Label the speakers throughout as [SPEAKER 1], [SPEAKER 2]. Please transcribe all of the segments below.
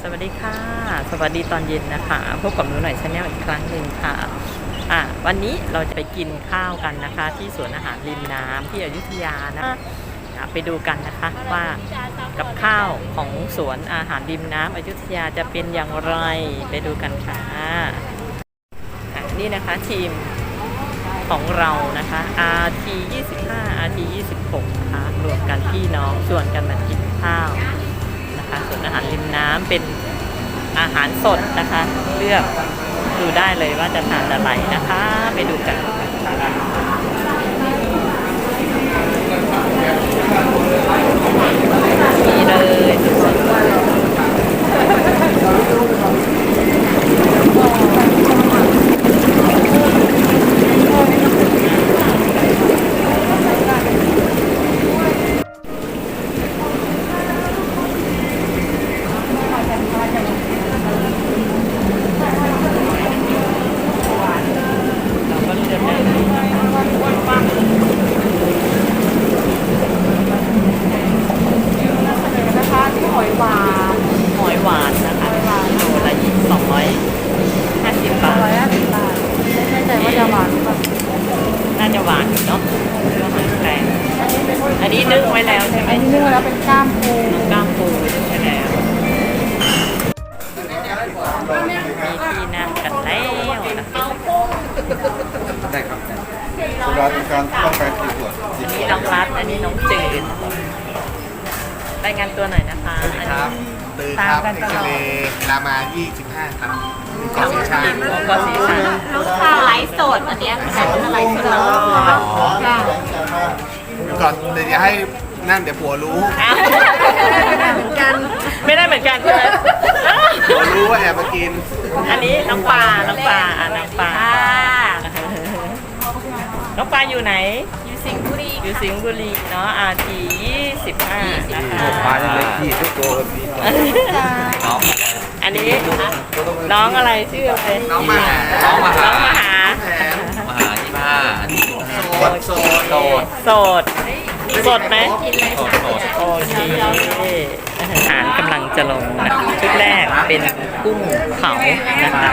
[SPEAKER 1] สวัสดีค่ะสวัสดีตอนเย็นนะคะพบกับหนูหน่อยชาแนลอีกครั้งหนึ่งค่ะวันนี้เราจะไปกินข้าวกันนะคะที่สวนอาหารริมน้ำที่อยุธยานะไปดูกันนะคะว่ากับข้าวของสวนอาหารริมน้ำอยุธยาจะเป็นอย่างไรไปดูกันค่ะนี่นะคะทีมของเรานะคะ RT 25 RT 26นะคะรวมกันพี่น้องชวนกันมากินข้าวนะคะส่วนอาหารริมน้ำเป็นอาหารสดนะคะเลือกดูได้เลยว่าจะทานอะไรนะคะไปดูกันนี่เลยสดอันนี้นึ่งไว้แล้วใช่ไหม
[SPEAKER 2] อันนี้นึ่งแล้วเป็นกล้ามปู
[SPEAKER 1] นึ่งใช่แล้วมีที่นั่งกันแล้วนะคะ
[SPEAKER 3] ได้ครับร้านการต้องการกี่ขวด
[SPEAKER 1] อันนี้น้องรัฐอันนี้น้องจืดรายงานตัวหน่อยนะคะ
[SPEAKER 3] สวัสดีครับตื่นครับเอ็กซเรย์รามา25ครับกอสีชัง
[SPEAKER 1] กอสีชัง
[SPEAKER 2] ลูกค้าไลฟ์สดอันนี้เป็นไลฟ์สด
[SPEAKER 3] ก่อนเดี๋ยวให้นั่นเดี๋ยวผัวรู้
[SPEAKER 1] เหมือนกันไม่ได้เหมือนกันใช่ไหม
[SPEAKER 3] ผัวรู้ว่าแอบมากิน
[SPEAKER 1] อันนี้น้องปลาน้องปลาน้องปลาอยู่ไหนอยู่สิงห์บุรีเนาะRT 25นะคะ
[SPEAKER 3] ปลาเล็กที่ทุกตัว
[SPEAKER 1] อันนี้น้องอะไรชื่ออะไร
[SPEAKER 3] น้องมหา
[SPEAKER 1] สดไหมโอเคอาหารกำลังจะลงนะชุดแรกเป็นกุ้งเผานะคะ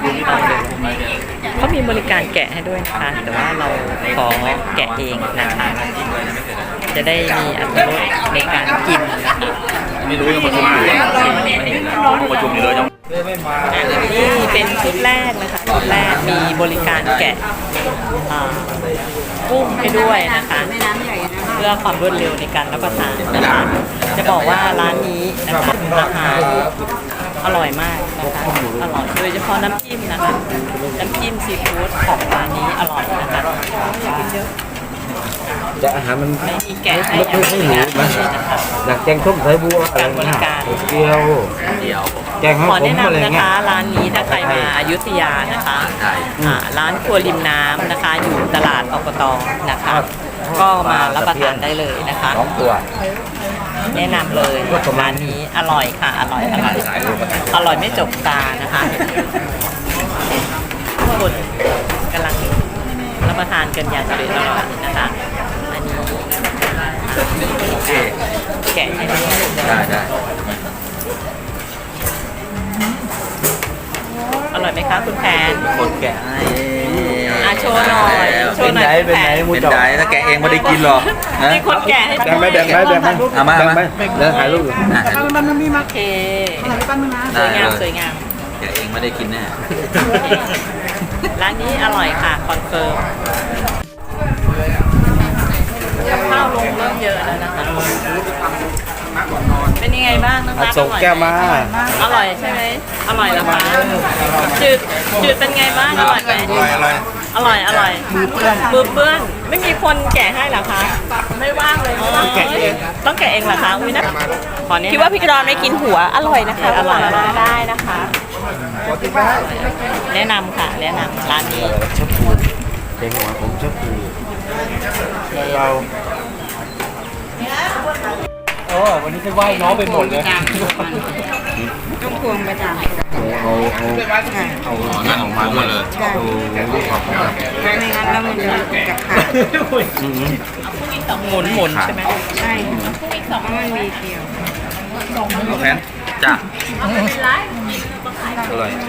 [SPEAKER 1] เขามีบริการแกะให้ด้วยนะคะแต่ว่าเราขอแกะเองนะคะจะได้มีอรรถรสในการกินนะคะ
[SPEAKER 4] ไม่รู้ยังประชุมอยู่ประชุมอยู่เลยยัง
[SPEAKER 1] นี่เป็นชุดแรกนะคะชุดแรกมีบริการแกะกุ้งให้ด้วยนะคะเพื่อความรวดเร็วในการรับประทานนะคะจะบอกว่าร้านนี้นะคะราคาอร่อยมากนะคะอร่อยโดยเฉพาะน้ำจิ้มนะคะน้ำจิ้มซีฟู้ดของร้านนี้อร่อยนะคะ
[SPEAKER 4] จะอาหารมัน
[SPEAKER 1] ไม่มีแกะให้อย่างนี้นะคะ
[SPEAKER 4] อยากแกงส้มสายบัวอะไร
[SPEAKER 1] บริการ
[SPEAKER 4] เดียวแกง
[SPEAKER 1] ขอแนะนำนะคะร้านนี้ถ้าใครมาอยุธยานะคะร้านครัวริมน้ำนะคะอยู่ตลาดอบตนะคะก็มารับประทานได้เลยนะคะ
[SPEAKER 4] 2 ตัว
[SPEAKER 1] แนะนำเลยร้านนี้อร่อยค่ะอร่อยไม่จบตานะคะทุกคนกำลังรับประทานกันอย่างอร่อยนะคะอันนี้แกะให้
[SPEAKER 4] ได้
[SPEAKER 1] อร่อยไหมคะคุณแพน
[SPEAKER 4] คนแกะให้
[SPEAKER 1] โชว์หน่อย
[SPEAKER 4] เป็นไหนถ้าแกะเองไม่ได้กินหรอก
[SPEAKER 1] นี่คนแกะให้
[SPEAKER 4] แบ่งไหมมาเดี๋ยวถ่ายรูปอยู่
[SPEAKER 1] ปั้นมีมาเคสวยงาม
[SPEAKER 4] แกะเองไม่ได้กินแน่
[SPEAKER 1] ร้านนี้อร่อยค่ะคอนเฟิร์มกับข้าวลงเริ่มเยอะแล้วนะคะเป็นยังไงบ้างน้องรัก
[SPEAKER 4] ส่งแก้วมา
[SPEAKER 1] อร่อยใช่ไหมอร่อยแล้วคะจืดเป็นไงบ้างอร่อยไหมอร่อยมือเปื้อนไม่มีคนแกะให้หรอคะไม่ว่างเลยต้องแกะเองเหรอคะอุ้ยนะคิดว่าพี่กรอนไม่กินหัวอร่อยนะคะอร่อยได้นะคะแนะนำค่ะแนะนำร้านนี้
[SPEAKER 4] ชอบปูเด็กหัวผมชอบปูเราวันนี้จะไหว้น้องไปหมดเลย
[SPEAKER 2] ต้องพวงไปจ้ะ
[SPEAKER 4] เอานั่นออกมาด้วยเลย
[SPEAKER 2] ไม่งั้นแล้วมันจะกับขา
[SPEAKER 1] หมุนใช่ไหม
[SPEAKER 2] ใช่เพราะมันมีเกี่ยว
[SPEAKER 4] เอาแผนจ้าอร่อย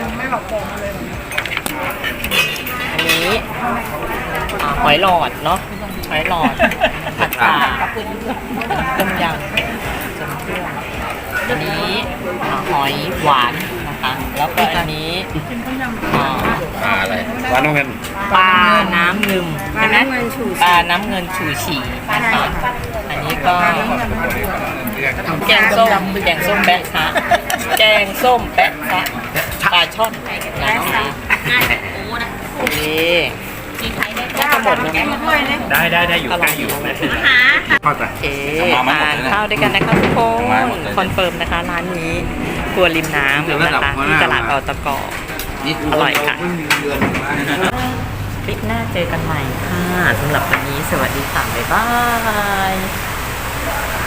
[SPEAKER 1] อันนี้หอยหลอดเนาะหอยหลอดผัดฉ่าต้มยำจำเครื่องอันนี้หอยหวานนะคะแล้วก็อันนี้
[SPEAKER 4] อะไรหวานน้ำเงิน
[SPEAKER 1] ปลาน้ำเงิม
[SPEAKER 2] ปลา
[SPEAKER 1] ใช่ไหม
[SPEAKER 2] น้ำเงินฉู
[SPEAKER 1] ปลาน้ำเงินฉูฉี่นะคะอันนี้ก็แกงส้มแกงส้มแปะซะแกงส้มแปะซะปลาช่อนนะคะโอเคก็จะหมดแล้วไหม
[SPEAKER 4] ได้อยู่ใกล้อยู่เข้าใจ
[SPEAKER 1] โอเคทานข้าวด้วยกันนะคะทุกคนคอนเฟิร์มนะคะร้านนี้ครัวริมน้ำนะคะที่ตลาดอตกอร่อยค่ะคลิปหน้าเจอกันใหม่ค่ะสำหรับวันนี้สวัสดีค่ะบ๊ายบาย